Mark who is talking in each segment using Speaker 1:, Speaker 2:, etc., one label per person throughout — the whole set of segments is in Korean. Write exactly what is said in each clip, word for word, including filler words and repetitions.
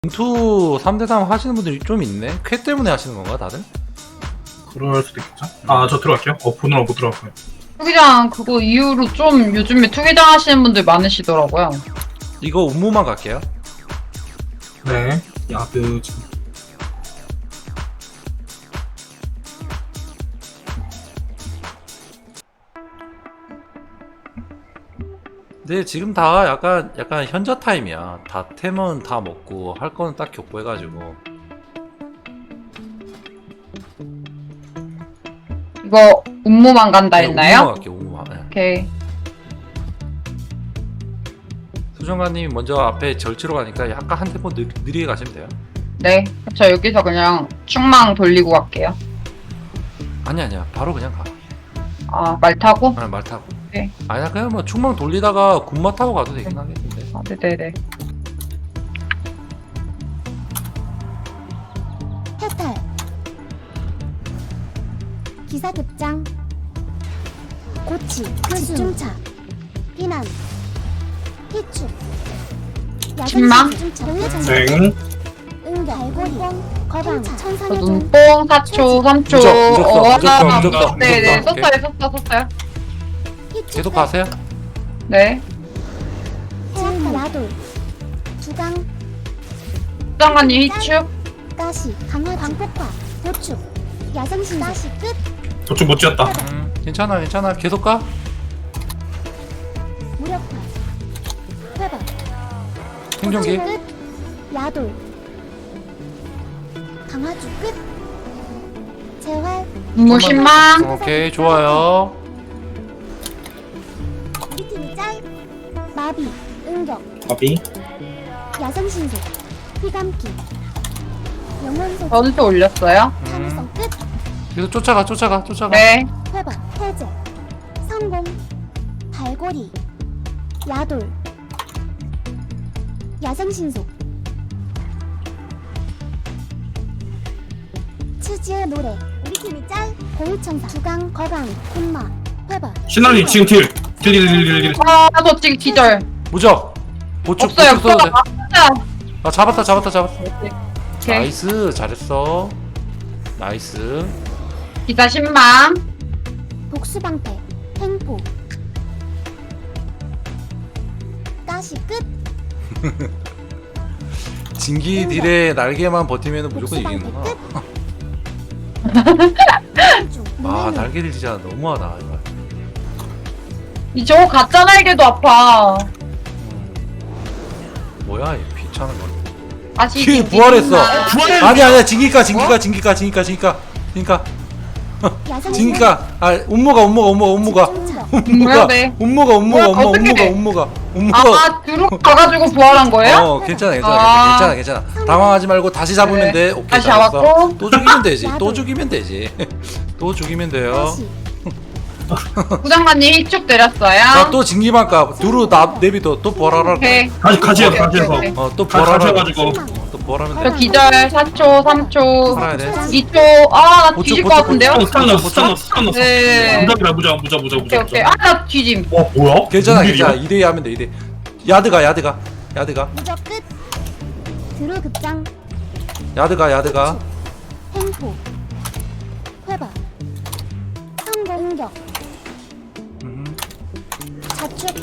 Speaker 1: 전투 삼 대 삼 하시는 분들이 좀 있네? 쾌 때문에 하시는 건가 다들?
Speaker 2: 그럴 수도 있겠죠? 아, 저 들어갈게요. 어, 보느라 못 들어갔고요.
Speaker 3: 투기장 그거 이후로 좀 요즘에 투기장 하시는 분들 많으시더라고요.
Speaker 1: 이거 운무만 갈게요.
Speaker 2: 네. 야드 지금.
Speaker 1: 근데 지금 다 약간 약간 현자 타임이야. 다 템은 다 먹고 할 거는 딱 격부해가지고.
Speaker 3: 이거 운무만 간다
Speaker 1: 네,
Speaker 3: 했나요?
Speaker 1: 운무만 갈게요. 운무만. 네.
Speaker 3: 오케이.
Speaker 1: 수정관님이 먼저 앞에 절치로 가니까 약간 한 템포 느, 느리게 가시면 돼요.
Speaker 3: 네. 저 여기서 그냥 충망 돌리고 갈게요.
Speaker 1: 아니 아니야. 바로 그냥 가.
Speaker 3: 아, 말 타고?
Speaker 1: 아, 말 타고.
Speaker 3: 네.
Speaker 1: 아니야 그냥 뭐 충망 돌리다가 군마 타고 가도 되긴 하겠는데.
Speaker 3: 아, 네네네.
Speaker 4: 해탈 기사 급장 고치 집중차 비난 희축
Speaker 3: 신망?
Speaker 2: 네.
Speaker 4: 응격 갈고리 거방
Speaker 3: 저
Speaker 4: 천상의 종
Speaker 3: 눈뽕 사 초, 삼 초.
Speaker 1: 무적, 무적 써,
Speaker 3: 어,
Speaker 1: 무적 써,
Speaker 3: 아,
Speaker 1: 무적 써,
Speaker 3: 네네.
Speaker 1: 무적 써.
Speaker 3: 썼어요, 썼어, 썼어요.
Speaker 4: 희축
Speaker 1: 계속 가세요.
Speaker 3: 네.
Speaker 4: 해탈 야돌 주강
Speaker 3: 수장관님 희축.
Speaker 4: 가시 강화 광폭화 보축 야생신 가시 끝
Speaker 2: 저쪽 못 지었다.
Speaker 1: 음, 괜찮아 괜찮아. 계속 가.
Speaker 4: 무력화 회박
Speaker 1: 생존기.
Speaker 4: 끝 야돌 강화주 끝 재활
Speaker 3: 운무 신망.
Speaker 1: 오케이 좋아요.
Speaker 4: 우리 팀이 짤 마비 응격
Speaker 2: 아비.
Speaker 4: 야생신속 휘감기 영혼소
Speaker 3: 전투 올렸어요.
Speaker 4: 참을성 끝
Speaker 1: 계속 쫓아가 쫓아가 쫓아가.
Speaker 3: 네.
Speaker 4: 회박 해제 성공 발고리 야돌 야생신속 치즈의 노래 우리 팀이 짤 고울천사 주강 거강 콤마 회박
Speaker 2: 신나님 지금 딜. 딜, 딜, 딜, 딜, 딜.
Speaker 3: 아, 저 지금 기절.
Speaker 1: 무적. 보축
Speaker 3: 없어요,
Speaker 1: 보축 써도 돼.
Speaker 3: 없어요.
Speaker 1: 아 잡았다 잡았다 잡았다.
Speaker 3: 오케이.
Speaker 1: 나이스 잘했어. 나이스.
Speaker 3: 기사 신망.
Speaker 4: 복수방패 횡포 가시 끝
Speaker 1: 진기 딜의 날개만 버티면 무조건 이기는구나. 아 날개 딜 진짜 너무하다 이거.
Speaker 3: 이 저거 가짜 날개도 아파.
Speaker 1: 뭐야 이 귀찮은 거.
Speaker 3: 다시
Speaker 1: 키 부활했어.
Speaker 2: 부활했네.
Speaker 1: 아니 아니야 진기가 진기가 진기가 진기가 진기가 진기가 진기가 아 운모가 운모가 운모가 운모가 운모가
Speaker 3: 뭐야, 네.
Speaker 1: 운모가 운모가
Speaker 3: 뭐야,
Speaker 1: 운모 운모가
Speaker 3: 어떡해.
Speaker 1: 운모가 운모가.
Speaker 3: 아, 뒤로 가가지고 부활한 거예요?
Speaker 1: 어 괜찮아 괜찮아
Speaker 3: 아.
Speaker 1: 괜찮아 괜찮아 당황하지 말고 다시 잡으면
Speaker 3: 네.
Speaker 1: 돼. 오케이
Speaker 3: 다시
Speaker 1: 잘했어.
Speaker 3: 잡았고.
Speaker 1: 또 죽이면 되지 또 죽이면 되지 또 죽이면 돼요.
Speaker 4: 가시
Speaker 3: 부장관님 희축 내렸어요.
Speaker 1: 자또 진기만가 두루 나 내비도 또 부활하라.
Speaker 3: 오케이.
Speaker 2: 다시 같이 해서,
Speaker 3: 오케이,
Speaker 2: 같이 해서.
Speaker 3: 오케이, 오케이.
Speaker 1: 어또
Speaker 2: 같이
Speaker 1: 부활하라.
Speaker 2: 해가지고.
Speaker 1: 또 부활하면
Speaker 3: 저
Speaker 1: 돼.
Speaker 3: 기절 사 초, 삼 초,
Speaker 1: 살아야 돼.
Speaker 3: 이 초. 아, 나
Speaker 1: 보충,
Speaker 3: 뒤질 것
Speaker 1: 보충,
Speaker 3: 같은데요?
Speaker 2: 어, 스탄 넣었어, 스탄 넣었어, 스탄 넣었어.
Speaker 3: 네.
Speaker 2: 무적이라, 무적, 무적, 무적,
Speaker 3: 오케이,
Speaker 2: 무적.
Speaker 3: 오케이. 아, 나 뒤짐.
Speaker 2: 와, 뭐야?
Speaker 1: 괜찮아
Speaker 2: 무슨
Speaker 1: 괜찮아
Speaker 2: 일이야?
Speaker 1: 이 대 이 하면 돼 이 대. 야드가 야드가 야드가
Speaker 4: 무적 끝 드루 급장
Speaker 1: 야드가 야드가.
Speaker 4: 횡포 회박 성공 응격
Speaker 1: 음.
Speaker 4: 자축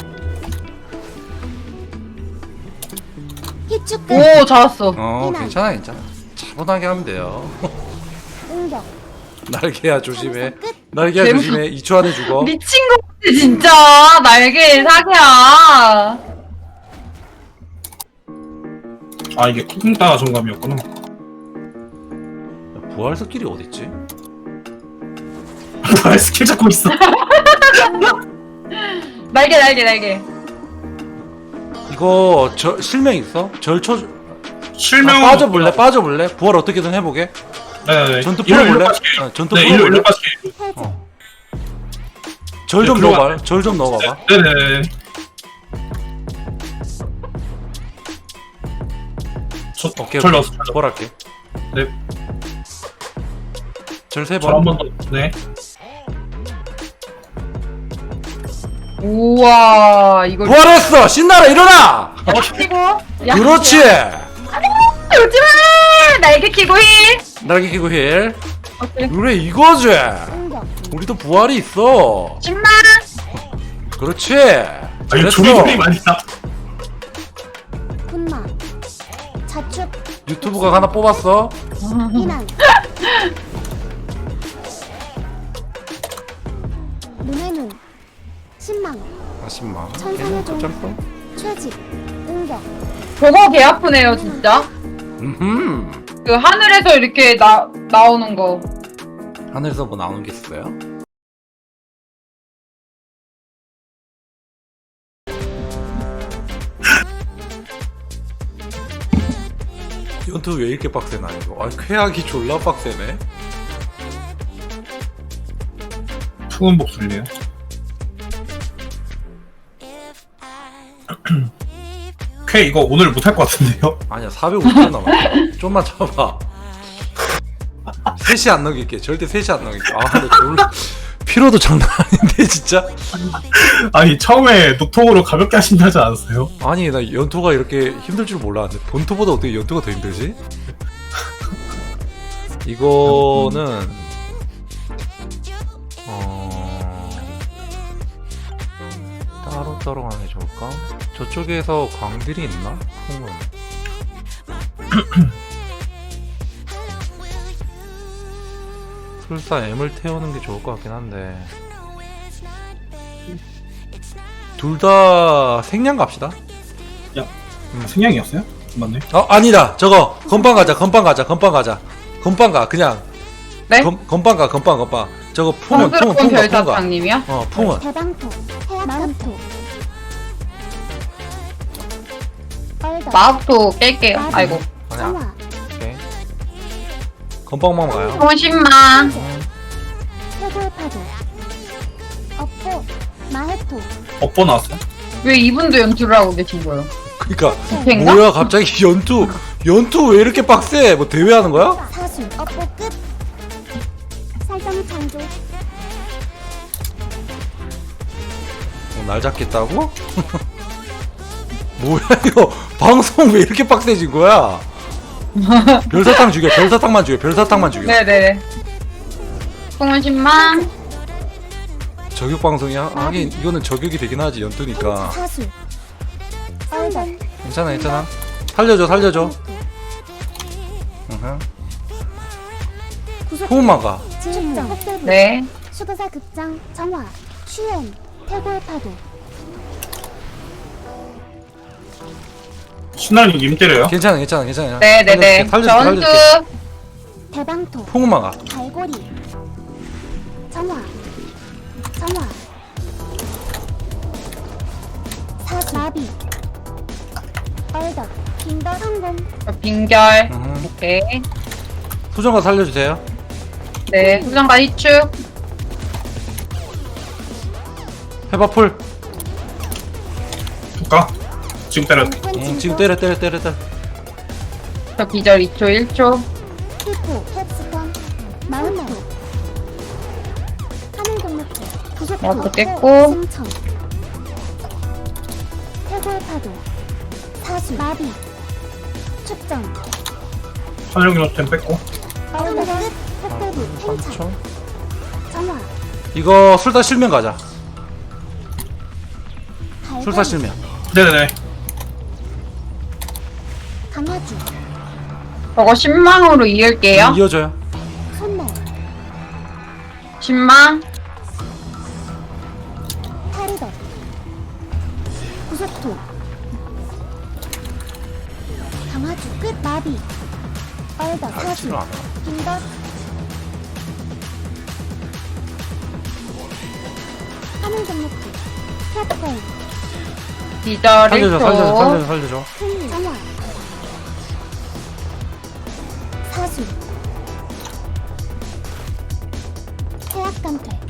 Speaker 4: 희축 끝
Speaker 3: 오, 잡았어.
Speaker 1: 어 괜찮아 괜찮아 차분하게 하면 돼요.
Speaker 4: 응격
Speaker 1: 날개야 조심해.
Speaker 4: 참을성 끝
Speaker 1: 날개야
Speaker 3: 개
Speaker 1: 조심해. 이 초 안에 죽어.
Speaker 3: 미친 거 같아, 진짜. 날개 사기야.
Speaker 2: 아, 이게 쿵따 정감이었구나.
Speaker 1: 야, 부활 스킬이 어딨지?
Speaker 2: 나 스킬 잡고 있어.
Speaker 3: 날개, 날개, 날개.
Speaker 1: 이거 저 실명 있어? 절초
Speaker 2: 실명.
Speaker 1: 아, 빠져볼래? 빠져볼래? 부활 어떻게든 해보게.
Speaker 2: 네네.
Speaker 1: 전투
Speaker 2: 일로, 일로
Speaker 1: 풀어볼래?
Speaker 2: 빠질게요.
Speaker 1: 어, 전투
Speaker 2: 네, 일로,
Speaker 1: 풀어볼래?
Speaker 2: 일로 빠질게요.
Speaker 4: 해제
Speaker 1: 어. 절 좀
Speaker 2: 네, 들어가.
Speaker 1: 넣어봐. 절 좀 넣어봐봐.
Speaker 2: 네네네. 저,
Speaker 1: 오케이
Speaker 2: 절
Speaker 1: 오케이.
Speaker 2: 넣었어, 절 넣었어.
Speaker 1: 부활할게.
Speaker 2: 네.
Speaker 1: 절 세
Speaker 2: 절 한
Speaker 1: 번.
Speaker 2: 번 더. 네.
Speaker 3: 우와, 이걸.
Speaker 1: 부활했어! 신나라 일어나!
Speaker 3: 치고.
Speaker 1: 그렇지!
Speaker 3: 야, 오지마! 날개 키고 힐!
Speaker 1: 날개 끼고 힐.
Speaker 3: 오케이.
Speaker 1: 그래 이거지.
Speaker 4: 응격
Speaker 1: 우리도 부활이 있어.
Speaker 3: 십만!
Speaker 1: 그렇지.
Speaker 2: 아 이거
Speaker 1: 잘했어.
Speaker 2: 조리조리 많이 나.
Speaker 4: 분마 자축
Speaker 1: 유튜브가 하나 뽑았어.
Speaker 4: 비난 눈의 눈 신망
Speaker 1: 아십만.
Speaker 4: 천상의 종.
Speaker 1: 점프.
Speaker 4: 최직 응격
Speaker 3: 저거 개 아프네요 진짜.
Speaker 1: 음.
Speaker 3: 그 하늘에서 이렇게 나 나오는 거.
Speaker 1: 하늘에서 뭐 나오는 게 있어요? 연투 왜 이렇게 빡세나 이거? 아 쾌하기 졸라 빡세네.
Speaker 2: 투은 복술이에요. 쾌 이거 오늘 못할 것 같은데요?
Speaker 1: 아니야 사백오십 개 남았어. 좀만 참아. 셋이 안 넘길게. 절대 셋이 안 넘길게. 아 근데 졸라 피로도 장난 아닌데 진짜.
Speaker 2: 아니 처음에 노통으로 가볍게 하신다지 않았어요?
Speaker 1: 아니 나 연투가 이렇게 힘들 줄 몰랐는데 본투보다 어떻게 연투가 더 힘들지? 이거는 어... 따로 따로 가는 게 좋을까? 저쪽에서 광들이 있나? 풍은 술사 M을 태우는 게 좋을 것 같긴 한데 둘 다 생량 갑시다.
Speaker 2: 생양이었어요? 맞네.
Speaker 1: 어 아니다 저거 건빵 가자 건빵 가자 건빵 가자 건빵 가 그냥
Speaker 3: 네?
Speaker 1: 건, 건빵 가 건빵 건빵 저거 풍은 풍은
Speaker 3: 성스러운
Speaker 1: 풍은 풍은 가
Speaker 3: 별사탕님이요?
Speaker 1: 어 풍은
Speaker 4: 대방토 해악감토 얼덕
Speaker 3: 마법도 깰게요. 아이고.
Speaker 1: 아니야
Speaker 4: 정화
Speaker 1: 오케이 건빵만 가요.
Speaker 3: 총 십만.
Speaker 4: 해골 파도 업포 마해토
Speaker 2: 업보 나왔어요?
Speaker 3: 왜 이분도 연출을 하고 계신 거예요?
Speaker 1: 그니까
Speaker 3: 뱅가?
Speaker 1: 뭐야 갑자기 연투 연투 왜 이렇게 빡세? 뭐 대회하는 거야?
Speaker 4: 사수 업포 끝 살성 창조
Speaker 1: 어, 날 잡겠다고? 뭐야 이거 방송 왜 이렇게 빡세진 거야? 별사탕 죽여 별사탕만 죽여 별사탕만 죽여.
Speaker 3: 네네. 총은 십만.
Speaker 1: 저격 방송이야? 하긴 이거는 저격이 되긴 하지 연투니까.
Speaker 4: 사수 얼덕
Speaker 1: 괜찮아 괜찮아. 살려줘 살려줘. 으흠.
Speaker 4: 구속
Speaker 1: 호흡만 가.
Speaker 4: 측정 흑대부
Speaker 3: 네.
Speaker 4: 수도사 극장 정화 추엔 해골 파도
Speaker 2: 신나님 님 때려요?
Speaker 1: 괜찮아 괜찮아 괜찮아.
Speaker 3: 네네네.
Speaker 1: 살려줄게
Speaker 3: 전투.
Speaker 1: 살려줄게.
Speaker 4: 대방토
Speaker 1: 풍만 가.
Speaker 4: 갈고리 정화 정화 사수 마비 얼덕 빙더 성공
Speaker 3: 빙결.
Speaker 1: 으흠.
Speaker 3: 오케이.
Speaker 1: 수정가 살려주세요.
Speaker 3: 네. 수정과 희축.
Speaker 1: 해바풀.
Speaker 2: 볼까? 지금 때려.
Speaker 1: 응, 지금 때려 때려 때려 때려.
Speaker 3: 저 기절 이 초 일 초.
Speaker 4: 히포 캡스톤 마운토 하늘동맥체 구속토
Speaker 3: 마운트 깼고.
Speaker 4: 승천 해골 파도 사수 마비 축전
Speaker 2: 하늘경로 템 뺐고.
Speaker 4: 얼덕 끝 흑대부
Speaker 1: 삼
Speaker 4: 팽창
Speaker 1: 초.
Speaker 4: 정화
Speaker 1: 이거 술사 실명 가자.
Speaker 4: 갈고리
Speaker 1: 술사 실명.
Speaker 2: 네네네.
Speaker 4: 강화주
Speaker 3: 저거 십만으로 이을게요.
Speaker 1: 이어져요.
Speaker 4: 손날
Speaker 3: 십만.
Speaker 4: 타르덕 구속토 강화주 끝 마비 얼덕
Speaker 1: 아,
Speaker 4: 사수
Speaker 1: 치료 안 해.
Speaker 4: 빙덧 하늘동맥체 캡콘
Speaker 3: 기절 일
Speaker 1: 살려줘 살려줘
Speaker 3: 초.
Speaker 1: 살려줘 살려줘.
Speaker 4: 큰 정화 사수 해악감퇴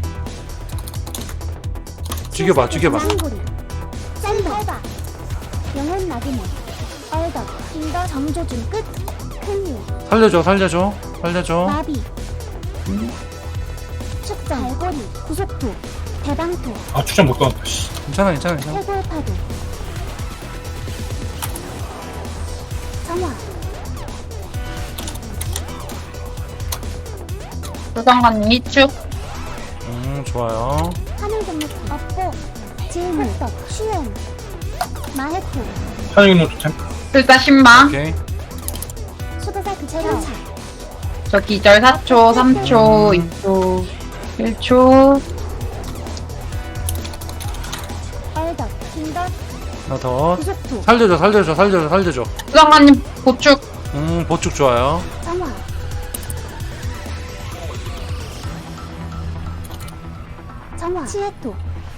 Speaker 1: 죽여봐 죽여봐.
Speaker 4: 쌍고리 짠다 영혼 나그네 얼덕 빙더 정조준 끝 큰일
Speaker 1: 살려줘 살려줘 살려줘.
Speaker 4: 마비 축전 갈고리 구속토 대방토
Speaker 2: 아 추천 못 넣었다. 씨.
Speaker 1: 괜찮아 괜찮아 괜찮아.
Speaker 4: 해골파도 정화
Speaker 3: 수상관님 이축.
Speaker 1: 음 좋아요.
Speaker 4: 하늘 건너뛰기 업보 질문 흑덕 슈엔 마해토
Speaker 2: 사장님 토템.
Speaker 3: 불사 신망.
Speaker 1: 오케이.
Speaker 4: 수도사 극체령
Speaker 3: 저 기절 사 초, 삼 초, 이 초, 일 초.
Speaker 4: 얼덕 킹덧
Speaker 1: 하나 더.
Speaker 4: 구속토
Speaker 1: 살려줘 살려줘 살려줘 살려줘.
Speaker 3: 수상관님 보축.
Speaker 1: 음 보축 좋아요.
Speaker 4: 정화 정화 치에토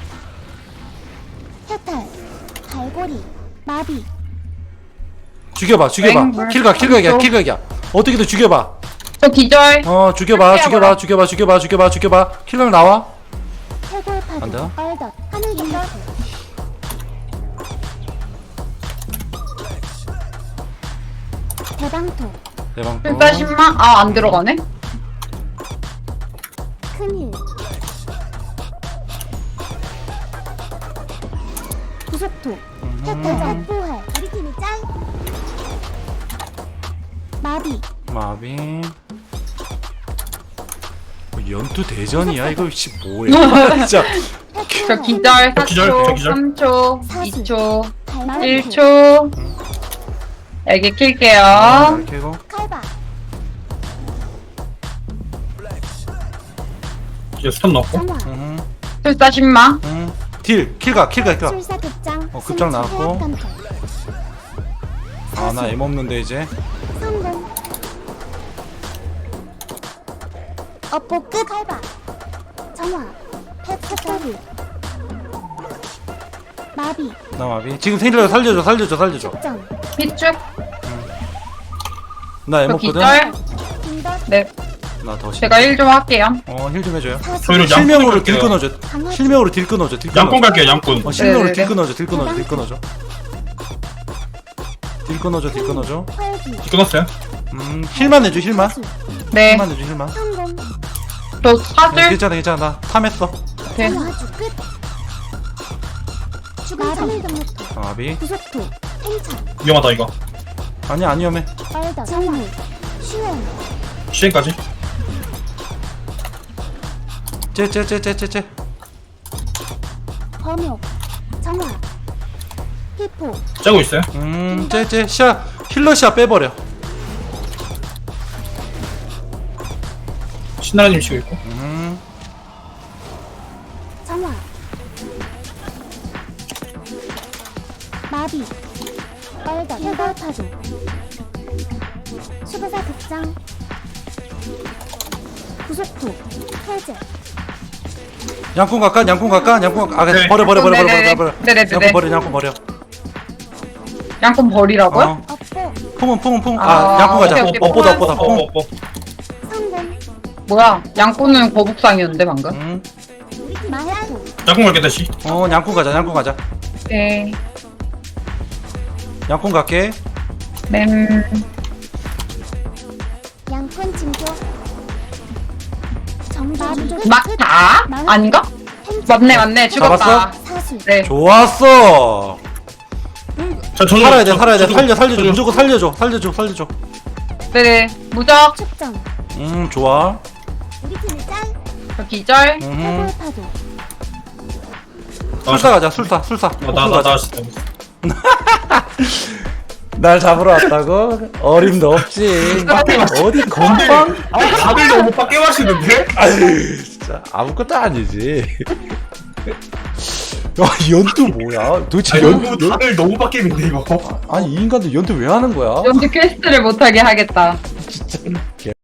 Speaker 4: 해탈 갈고리 마비
Speaker 1: 죽여봐 죽여봐.
Speaker 3: 땡.
Speaker 1: 킬각 킬각이야 킬각이야. 어떻게든 죽여봐.
Speaker 3: 저 기절.
Speaker 1: 어 죽여봐 죽여봐 죽여봐 죽여봐 죽여봐 죽여봐. 킬각 나와.
Speaker 4: 해골 파도
Speaker 1: 안 돼요?
Speaker 4: 얼덕 하늘 건너 대방토
Speaker 1: 대방.
Speaker 3: 불사 신망. 아, 안 들어가네.
Speaker 4: 큰일 구속토 해탈 살포할 우리 팀이 짱 마비
Speaker 1: 마비. 뭐 연투 대전이야 이거 씨 뭐야 진짜.
Speaker 3: 저 기절 사
Speaker 2: 기절,
Speaker 3: 초,
Speaker 2: 저 기절.
Speaker 3: 삼 초,
Speaker 4: 사수.
Speaker 3: 이 초,
Speaker 4: 갈마리
Speaker 3: 일 초. 여기 킬게요.
Speaker 1: 이렇게 고
Speaker 4: 칼바
Speaker 2: 이제 스턴 넣었고.
Speaker 4: 정화
Speaker 1: 음,
Speaker 3: 불사 신망.
Speaker 1: 음. 딜 킬각 킬각 킬각.
Speaker 4: 술사 급장
Speaker 1: 어, 급장 나왔고. 아나 M 없는데 이제.
Speaker 4: 성공 업보 끝 칼바 정화 페트코리 마비
Speaker 1: 나 마비. 지금 생일러 살려줘 살려줘 살려줘.
Speaker 4: 특정
Speaker 3: 비축.
Speaker 1: 나 M
Speaker 3: 저
Speaker 1: 없거든.
Speaker 3: 기절.
Speaker 4: 빈덧
Speaker 3: 네.
Speaker 1: 나더
Speaker 3: 제가 일 좀 할게요.
Speaker 1: 어힐 좀 해줘요.
Speaker 4: 사수
Speaker 2: 저희는
Speaker 1: 실명으로
Speaker 2: 양꾼
Speaker 1: 딜
Speaker 2: 갈게요.
Speaker 1: 끊어줘.
Speaker 4: 강화
Speaker 1: 실명으로 딜 끊어줘. 딜 끊어줘.
Speaker 2: 양꾼 갈게요, 양꾼.
Speaker 1: 어 실명으로
Speaker 3: 네네네.
Speaker 1: 딜 끊어줘. 딜 끊어줘. 딜 끊어줘. 딜 끊어줘. 딜 끊어줘. 딜 끊어줘.
Speaker 4: 활기
Speaker 2: 끊었어요.
Speaker 1: 음 힐만 해줘 힐만.
Speaker 4: 사수
Speaker 3: 네.
Speaker 1: 힐만 해줘 힐만.
Speaker 4: 성공
Speaker 3: 저
Speaker 1: 어,
Speaker 3: 사줄.
Speaker 1: 괜찮아 괜찮아 나 탐했어.
Speaker 3: 네.
Speaker 4: 정화주 끝 죽은 하늘 건너토
Speaker 1: 아, 마비.
Speaker 4: 구속토 행차
Speaker 2: 위험하다, 이거.
Speaker 1: 아니 안 위험해.
Speaker 4: 얼덕 정화 슈엔
Speaker 2: 시행까지.
Speaker 1: 쟤쟤쟤쟤쟤쟤.
Speaker 4: 범용 정화 피포
Speaker 2: 짜고 있어요.
Speaker 1: 음 쟤쟤 샤 힐러 샤 빼버려.
Speaker 2: 신나라님 치고 있고.
Speaker 1: 음
Speaker 4: 정화 마비 얼덕 해골 파도 수도사 극장 구속토 해제
Speaker 1: 양꾼 갈까 양꾼 갈까 양꾼 갈까. 아
Speaker 2: 네.
Speaker 1: 버려 버려 버려 버려
Speaker 3: 네네네.
Speaker 1: 버려 버려.
Speaker 3: 네네네.
Speaker 1: 양꾼 버려 양꾼 버려.
Speaker 3: 양꾼 버리라고요?
Speaker 1: 어
Speaker 4: 업보
Speaker 1: 풍은 풍은 풍.
Speaker 3: 아,
Speaker 1: 아 양꾼 가자.
Speaker 3: 오케이, 오케이.
Speaker 1: 업보다 업보다
Speaker 2: 어,
Speaker 1: 풍.
Speaker 2: 어, 어.
Speaker 4: 성공
Speaker 3: 뭐야? 양꾼은 거북상이었는데 방금.
Speaker 1: 음.
Speaker 4: 마해토
Speaker 2: 양꾼 갈게, 다시.
Speaker 1: 어 양꾼 가자 양꾼 가자.
Speaker 3: 네.
Speaker 1: 양꾼 갈게.
Speaker 3: 맴.
Speaker 4: 양푼 징조 정마비
Speaker 3: 막다? 아닌가? 맞네 맞네 죽었다.
Speaker 1: 잡았어?
Speaker 4: 사수
Speaker 3: 네.
Speaker 1: 좋았어.
Speaker 2: 자, 저도.
Speaker 1: 살아야 돼
Speaker 2: 저-
Speaker 1: 살아야 돼
Speaker 2: 저도-
Speaker 1: 살려 살려줘
Speaker 2: 저도-
Speaker 1: 무조건 살려줘 살려줘 살려줘.
Speaker 3: 네네. 무적.
Speaker 4: 축정
Speaker 1: 음 좋아.
Speaker 4: 우리 팀이 짱
Speaker 3: 저 기절.
Speaker 1: 음
Speaker 4: 해골 파도
Speaker 1: 술사 가자 술사 술사.
Speaker 2: 아, 나, 나, 나, 나, 진짜.
Speaker 1: 날 잡으러 왔다고? 어림도 없지. 어디 건방?
Speaker 2: 아, 다들 너무 빡 깨마시는데?
Speaker 1: 아유 진짜 아무것도 아니지. 야 연투 뭐야? 도대체
Speaker 2: 아니,
Speaker 1: 연,
Speaker 2: 너무,
Speaker 1: 연
Speaker 2: 다들 너무 빡겜인데, 이거.
Speaker 1: 아니 이 인간들 연투 왜 하는 거야?
Speaker 3: 연주 퀘스트를 못하게 하겠다.